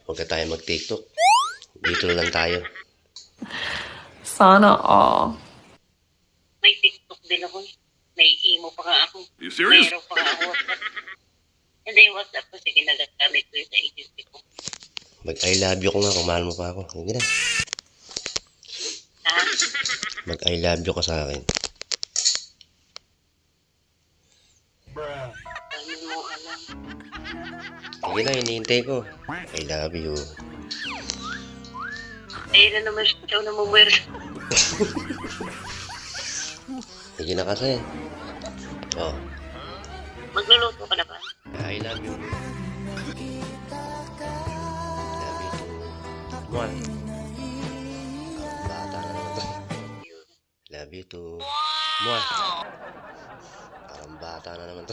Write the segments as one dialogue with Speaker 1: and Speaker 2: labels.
Speaker 1: Huwag ka tayo mag-TikTok. Dito na lang tayo.
Speaker 2: Sana all.
Speaker 3: May TikTok din ako. May emo pa nga ako.
Speaker 4: You serious?
Speaker 3: Meron pa nga ako WhatsApp. Hindi yung WhatsApp ko. Sige, nagagamit ko yung sa agency ko.
Speaker 1: Mag-I love you ko nga kung mahal mo pa ako. Hindi na.
Speaker 3: Ha?
Speaker 1: Mag-I love you ka sa akin.
Speaker 3: Ano mo alam?
Speaker 1: Sige na, hinihintay ko. I love you.
Speaker 3: Ayun na naman siya na mumuwer.
Speaker 1: Sige na kasi. Oh,
Speaker 3: Magluluto ka na ba?
Speaker 1: I love you. Love you too. One. Bata na naman to. Love you too. One. Parang bata na naman to.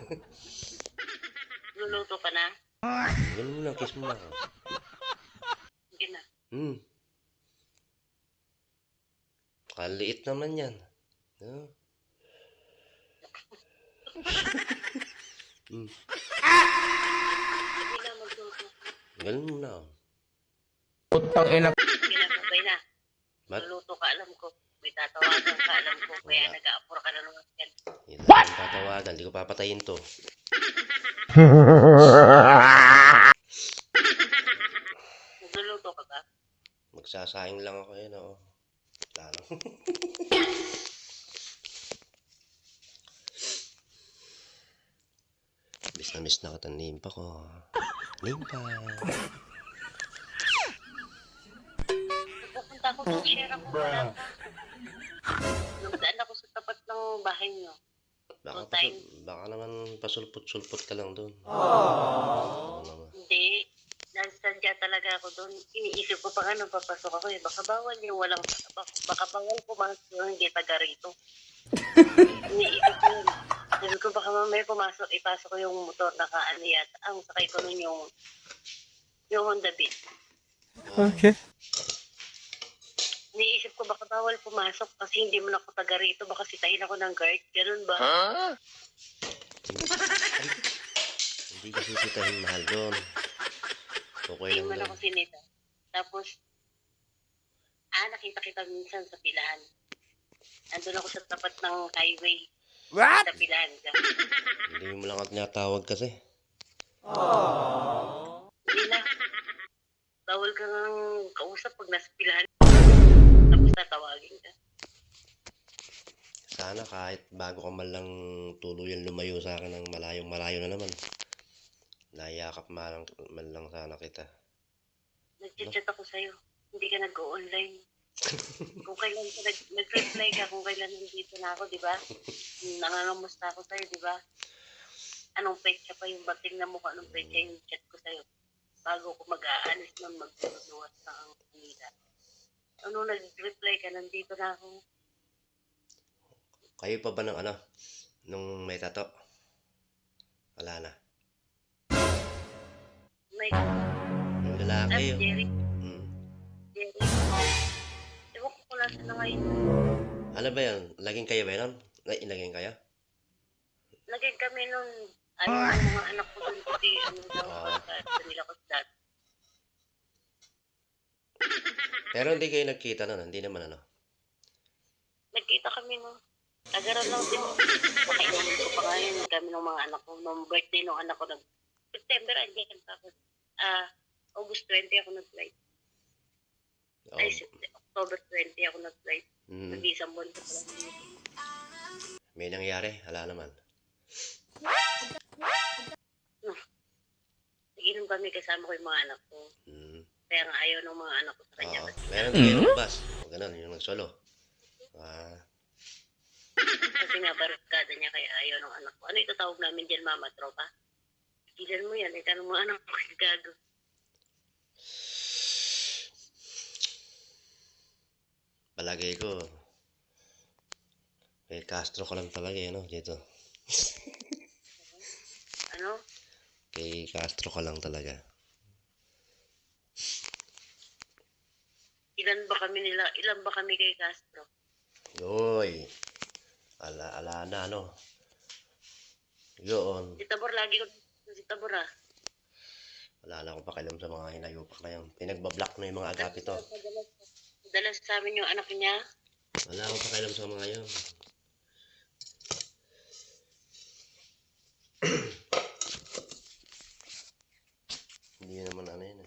Speaker 3: Magluluto ka na?
Speaker 1: Ganun mo lang, kiss mo lang.
Speaker 3: Sige na.
Speaker 1: Kaliit naman yan. No?
Speaker 3: Sige na, magluluto.
Speaker 1: Ganun mo na.
Speaker 5: Putang ina.
Speaker 3: Sige na, babay na.
Speaker 1: Ba't?
Speaker 3: Magluluto ka, alam ko. May tatawagan ka, alam ko. Kaya
Speaker 1: Wala.
Speaker 3: nag-aapura ka na naman yan.
Speaker 1: What? Tatawagan, di ko papatayin to.
Speaker 3: Magluluto ka ba?
Speaker 1: Magsasaing lang ako yun, oo. Wala lang. Miss na kita, nimpa ko. Nimpa.
Speaker 3: Pupunta ako ng share ako. Wala ka. Nagdaan ako sa tapat ng bahay niyo.
Speaker 1: Baka naman pasulpot-sulpot ka lang doon.
Speaker 3: Hindi. Nasadya talaga ako doon. Iniisip ko pa nga nung papasok ako eh. Baka bawal yung walang... Baka bawal pumasok yung hindi taga rito. Iniisip ko yun. Sabi ko baka mamaya pumasok, ipasok ko yung motor na kaano yata. Ang sakay ko nun yung Honda Beat.
Speaker 5: Okay.
Speaker 3: Iniisip ko baka bawal pumasok kasi hindi mo na ako taga rito. Baka sitahin ako ng guard. Ganun ba?
Speaker 1: Hindi kasi sitahin mahal doon. Okay
Speaker 3: Hindi
Speaker 1: lang
Speaker 3: mo na
Speaker 1: doon.
Speaker 3: ako sinita. Tapos, nakita kita minsan sa pilahan. Andun ako sa tapat ng highway.
Speaker 5: What?
Speaker 3: Sa pilahan ka.
Speaker 1: Hindi mo lang ako tinatawag kasi.
Speaker 3: Hindi na. Bawal ka ng kausap pag nasa pilahan. Tapos tatawagin ka.
Speaker 1: Sana kahit bago ka man lang tuluyan lumayo sa akin ng malayong-malayo na naman. Nayakap man lang sana kita.
Speaker 3: Nag-chat ako sa'yo. Hindi ka nag-go-online. Kung kailan ka nag-reply ka, kung kailan nandito na ako, di ba? Nangangamusta ako sa'yo, di ba? Anong petsa pa yung bating na mukha, anong petsa yung chat ko sa'yo? Bago ko mag-aalis nun, magbunuwas na ang kanila. Ano, nag-reply ka, nandito na ako.
Speaker 1: Kayo pa ba ng nung may tato? Wala na.
Speaker 3: May,
Speaker 1: Yung lalaki yun.
Speaker 3: Jerry,
Speaker 1: Hmm.
Speaker 3: Jerry. Ewan ko kung nasa na ngayon.
Speaker 1: Ano ba yun? Laging kayo ba yun? Laging kayo?
Speaker 3: Lagay kami nun, ayaw ng mga anak ko dun kasi ano daw, sa nila ko sa dati.
Speaker 1: Pero hindi kayo nagkita nun. Hindi naman
Speaker 3: Nagkita kami no. Agaran lang din. Pakailan ko pa ngayon kami ng mga anak ko. Nung birthday ng anak ko, September, andyan. Tapos, August 20 ako nag-flight.
Speaker 1: Oh.
Speaker 3: Ay, October 20 ako nag-flight.
Speaker 1: Mm.
Speaker 3: Nag-isang buwan ko pa lang.
Speaker 1: May nangyari? Wala naman.
Speaker 3: Nag-inom kami kasama ko yung mga anak ko.
Speaker 1: Hmm.
Speaker 3: Kaya nga ayaw ng mga anak ko sa kanya.
Speaker 1: Oo. Meron din kayo ng bus. O ganun, yung nagsolo.
Speaker 3: Kasi nga barkada niya kaya ayaw ng anak ko. Ano itatawag namin dyan, mama, tropa? Gilan mo yan. Itanong mga anak ko yung gago.
Speaker 1: Palagay ko, kay Castro ko lang talaga dito.
Speaker 3: Ano?
Speaker 1: Kay Castro ka lang talaga.
Speaker 3: Ilan ba kami kay Castro?
Speaker 1: Yoy. Ala na Yun.
Speaker 3: Si Tabor, lagi ko si Tabor
Speaker 1: Wala na akong pakialam sa mga hinayupak na yan. Pinagbablock na yung mga agapi to.
Speaker 3: Dalas sa amin yung anak niya.
Speaker 1: Wala akong pakialam sa mga yun. Hindi naman ano yun eh.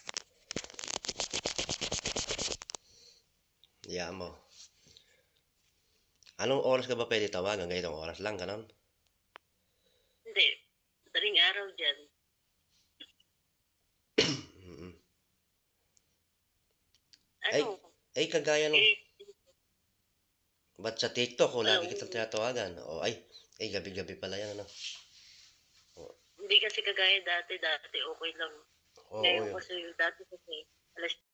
Speaker 1: Hayaan mo. Anong oras ka ba pwede tawagan? Ganitong oras lang, ganon?
Speaker 3: Hindi. Daring araw dyan.
Speaker 1: Mm-mm.
Speaker 3: Ano?
Speaker 1: Ay, kagaya nung...
Speaker 3: Eh,
Speaker 1: Ba't sa TikTok ko lagi
Speaker 3: Oo.
Speaker 1: kitang tinatawagan? O ay, gabi-gabi pala yan, ano?
Speaker 3: hindi kasi kagaya dati okay lang.
Speaker 1: Oo,
Speaker 3: Ngayon
Speaker 1: yun.
Speaker 3: kasi dati kasi alas